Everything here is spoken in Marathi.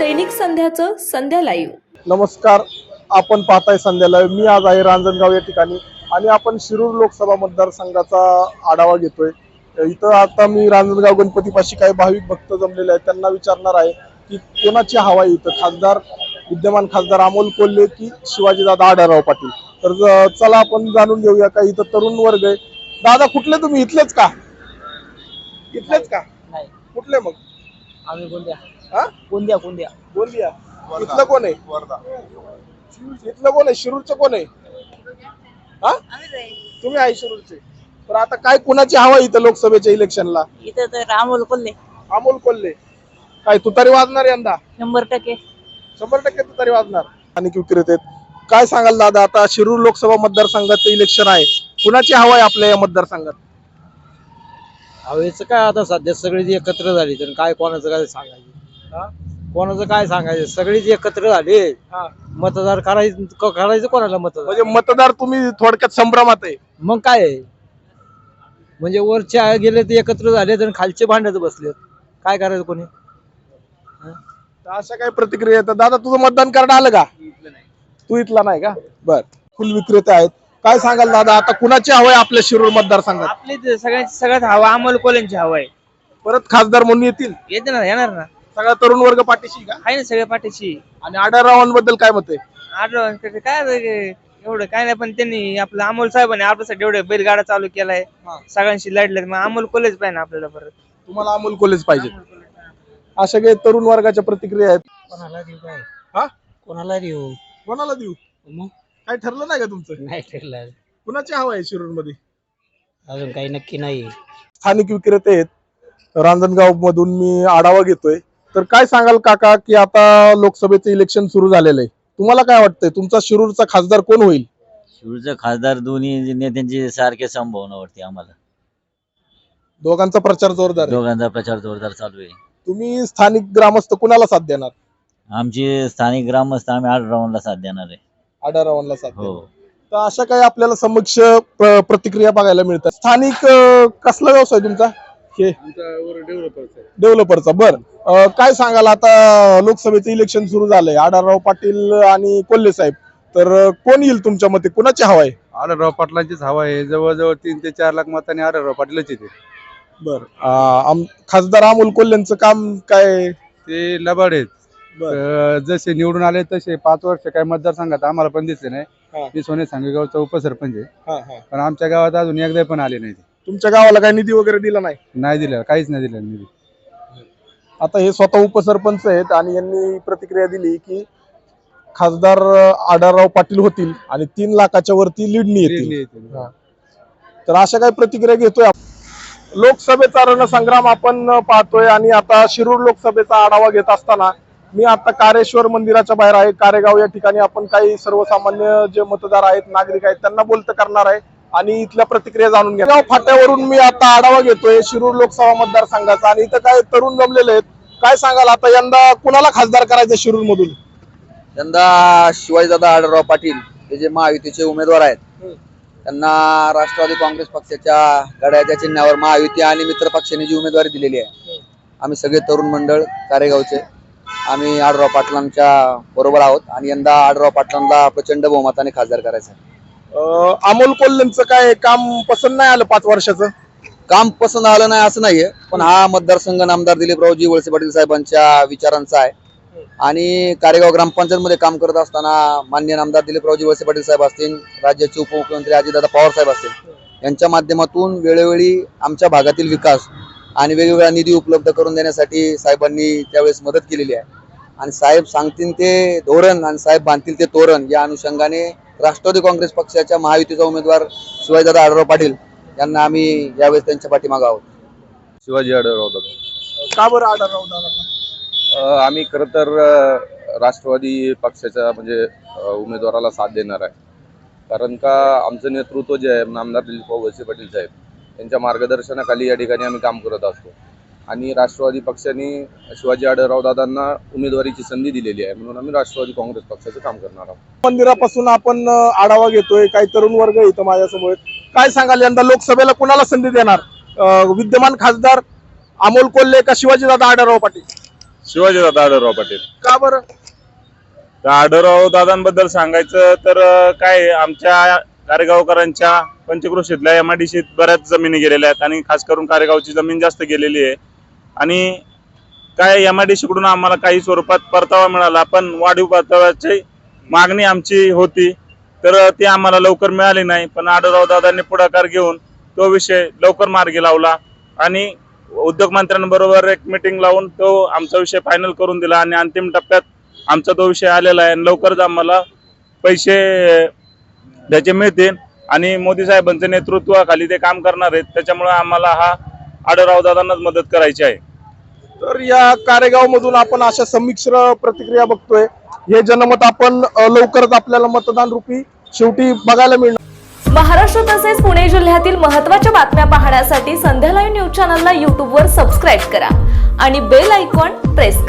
दैनिक संध्याचं संध्या लाईव्ह. नमस्कार, आपण पाहताय संध्या लाईव्ह. मी आज आहे रांजणगाव या ठिकाणी आणि आपण शिरूर लोकसभा मतदारसंघाचा आढावा घेतोय. इथं आता मी रांजणगाव गणपतीपाशी काही भाविक भक्त जमलेले आहेत, त्यांना विचारणार आहे की कोणाची हवा आहे इथं, विद्यमान खासदार अमोल कोल्हे की शिवाजीदादा आढळराव पाटील. तर चला आपण जाणून घेऊया. का इथं तरुण वर्ग आहे. दादा, कुठले तुम्ही? इथलेच का? इथलेच का? नाही, कुठले मग? आम्ही गोंदिया. हा, गोंदिया गोंदिया गोंदिया. इथलं कोण आहे? इथलं कोण आहे? शिरूरचं कोण आहे? हा, तुम्ही आहे शिरूरचे. तर आता काय कुणाची हवा इथं लोकसभेच्या इलेक्शनला? इथं तर अमोल कोल्हे अमोल कोल्हे. काय तुतारी वाजणार यंदा? 100%. 100% तुतारी वाजणार. आणि विक्रेते काय सांगाल दादा, आता शिरूर लोकसभा मतदारसंघाचं इलेक्शन आहे, कुणाची हवा आहे आपल्या या मतदारसंघात? हवेचं काय, आता सध्या सगळीच एकत्र झाली तर काय कोणाचं काय सांगायचं? कोणाचं काय सांगायचं? सगळीच एकत्र झाली. मतदार करायचं कोणाला मतदार? म्हणजे मतदार तुम्ही थोडक्यात संभ्रमात आहे. मग काय आहे? म्हणजे वरचे गेले ते एकत्र झाले तर खालचे भांडत बसलेत, काय करायचं कोणी? तर अशा काही प्रतिक्रिया येतात. दादा, तुझं मतदान कार्ड आलं का? तू इथला नाही का? बर. फुल विक्रेते आहेत, काय सांगाल दादा, आता कुणाची हवा आहे आपल्या शिरूर मतदारसंघात? आपली सगळ्यात हवा अमोल कोल्हेंची हवा आहे. परत खासदार म्हणून येतील? येते ना, येणार ना. सगळा तरुण वर्ग पाठीशी का? आहे ना सगळ्या पाठीशी. आणि आढळरावांबद्दल काय मत आहे? आढळराव काय एवढं काय नाही, पण त्यांनी आपलं अमोल साहेबांनी आपल्यासाठी एवढे बैलगाडा चालू केलाय, सगळ्यांशी लढले. मग अमोल कोल्हेच पाहिजे आपल्याला. परत तुम्हाला अमोल कोल्हेच पाहिजे. अशा काही तरुण वर्गाच्या प्रतिक्रिया आहेत. कोणाला देऊ? काय हा, कोणाला देऊ? कोणाला देऊ? मग काय ठरलं नाही का तुमचं? नाही ठरलं, कुणाची हवा आहे शिरूर मध्ये? अजून काही नक्की नाही. स्थानिक विक्रेते आहेत रांजणगाव मधून, मी आढावा घेतोय. तर काय सांगाल काका, की आता लोकसभेचं इलेक्शन सुरू झालेलं आहे, तुम्हाला काय वाटतंय तुमचा शिरूरचा खासदार कोण होईल? शिरूरचा खासदार दोन्ही नेत्यांची सारख्या संभावना वाटते आम्हाला. दोघांचा प्रचार जोरदार आहे. दोघांचा प्रचार जोरदार चालू आहे. तुम्ही स्थानिक ग्रामस्थ कुणाला साथ देणार? आमचे स्थानिक ग्रामस्थ आम्ही आढळरावांना साथ देणार आहे. आढळरावांना साथ हो. देणार. तर अशा काही आपल्याला समक्ष प्रतिक्रिया बघायला मिळतात. स्थानिक कसला व्यवसाय तुमचा? हे डेव्हलपरचा. बर, काय सांगाल, आता लोकसभेचं इलेक्शन सुरू झालंय, आढळराव पाटील आणि कोल्हे साहेब, तर कोण येईल तुमच्या मते? कुणाची हवा आहे? आढळराव पाटलांचीच हवा आहे. जवळजवळ 3 ते 4 लाख मतांनी आढळराव पाटीलच येते. बर. खासदार अमोल कोल्हेंचं काम काय? ते लबाड आहेत. जसे निवडून आले तसे 5 वर्ष काय मतदारसंघात आम्हाला पण दिसले नाही. मी सोने सांगेगावचा उपसरपंच आहे, पण आमच्या गावात अजून एकदा पण आले नाही. तुमच्या गावाला काही निधी वगैरे दिला नाही? नाही दिलं, काहीच नाही दिलं निधी. आता हे स्वतः उपसरपंच आहेत आणि यांनी प्रतिक्रिया दिली की खासदार आढळराव पाटील होतील आणि 3 लाखाच्या वरती लीडनी येतील. तर अशा काही प्रतिक्रिया घेतोय. लोकसभेचा रणसंग्राम आपण पाहतोय आणि आता शिरूर लोकसभेचा आढावा घेत असताना मी आता कारेश्वर मंदिराच्या बाहेर आहे, कारेगाव या ठिकाणी. आपण काही सर्वसामान्य जे मतदार आहेत, नागरिक आहेत, त्यांना बोलतं करणार आहे आणि इथल्या प्रतिक्रिया जाणून घ्या. फाट्यावरून मी आता आढावा घेतोय शिरूर लोकसभा मतदारसंघाचा आणि इथं काही तरुण जमलेले आहेत. काय सांगाल, आता यंदा कुणाला खासदार करायचं शिरूर मधून? यंदा शिवाजीदादा आढळराव पाटील हे जे महायुतीचे उमेदवार आहेत, त्यांना राष्ट्रवादी काँग्रेस पक्षाच्या घड्याळ्याच्या चिन्हावर महायुती आणि मित्र पक्षाने जी उमेदवारी दिलेली आहे, आम्ही सगळे तरुण मंडळ कारेगावचे आम्ही आढळराव पाटलांच्या बरोबर आहोत आणि यंदा आढळराव पाटलांना प्रचंड बहुमताने खासदार करायचं आहे. अमोल कोल्हेंचं काय काम पसंत नाही आलं? 5 वर्षाचं काम पसंत आलं नाही असं नाहीये, पण हा मतदारसंघ नामदार दिलीपरावजी वळसे पाटील साहेबांच्या विचारांचा आहे. आणि कारेगाव ग्रामपंचायत मध्ये काम करत असताना माननीय नामदार दिलीपरावजी वळसे पाटील साहेब असतील, राज्याचे उपमुख्यमंत्री अजितदादा पवार साहेब असतील, यांच्या माध्यमातून वेळोवेळी आमच्या भागातील विकास आणि वेगवेगळा निधी उपलब्ध करून देण्यासाठी साहेबांनी त्यावेळेस मदत केलेली आहे. आणि साहेब सांगतील ते धोरण आणि साहेब बांधतील ते तोरण या अनुषंगाने राष्ट्रवादी काँग्रेस पक्षाच्या महायुतीचा उमेदवार शिवाजीदादा आढळराव पाटील यांना आम्ही यावेळेस त्यांच्या पाठीमागे आहोत. शिवाजी आढळराव दादा. का बरं आढळराव दादा? आम्ही खरं तर राष्ट्रवादी पक्षाच्या म्हणजे उमेदवाराला साथ देणार आहे, कारण का आमचं नेतृत्व जे आहे नामदार दिलीप वळसे पाटील साहेब यांच्या मार्गदर्शनाखाली या ठिकाणी आम्ही काम करत असतो. आणि राष्ट्रवादी पक्षाने शिवाजी आढळराव दादांना उमेदवारीची संधी दिलेली आहे, म्हणून आम्ही राष्ट्रवादी काँग्रेस पक्षाचं काम करणार आहोत. मंदिरापासून आपण आढावा घेतोय, काही तरुण वर्ग इथं माझ्यासमोर. काय सांगाल, यंदा लोकसभेला कुणाला संधी देणार? विद्यमान खासदार अमोल कोल्हे का शिवाजीदादा आढळराव पाटील? शिवाजीदादा आढळराव पाटील. का बरं? तर आढळराव दादांबद्दल सांगायचं तर काय आहे, आमच्या कारेगावकरांच्या पंचक्रोशीतल्या MIDCत बऱ्याच जमिनी गेलेल्या आहेत आणि खास करून कारेगावची जमीन जास्त गेलेली आहे. आणि काय MIDC कडून आम्हाला काही स्वरूपात परतावा मिळाला, पण वाढीव परताव्याची मागणी आमची होती, तर ती आम्हाला लवकर मिळाली नाही. पण आढळराव दादांनी पुढाकार घेऊन तो विषय लवकर मार्गी लावला आणि उद्योग मंत्र्यांबरोबर एक मीटिंग लावून तो आमचा विषय फायनल करून दिला आणि अंतिम टप्प्यात आमचा तो विषय आलेला आहे. लवकरच आम्हाला पैसे त्याचे मिळतील आणि मोदी साहेबांच्या नेतृत्वाखाली ते काम करणार आहेत. त्याच्यामुळे आम्हाला हा आढळराव दादांनाच मदत करायची आहे. तर या कारेगाव मधून आपण अशा संमिश्र प्रतिक्रिया बघतोय. हे जनमत आपण लवकरच आपल्याला मतदान रूपी शेवटी बघायला मिळणार. महाराष्ट्र तसेच पुणे जिल्ह्यातील महत्त्वाच्या बातम्या पाहण्यासाठी संध्या लाईव्ह न्यूज चॅनलला यूट्यूबवर सबस्क्राईब करा आणि बेल आयकॉन प्रेस करा.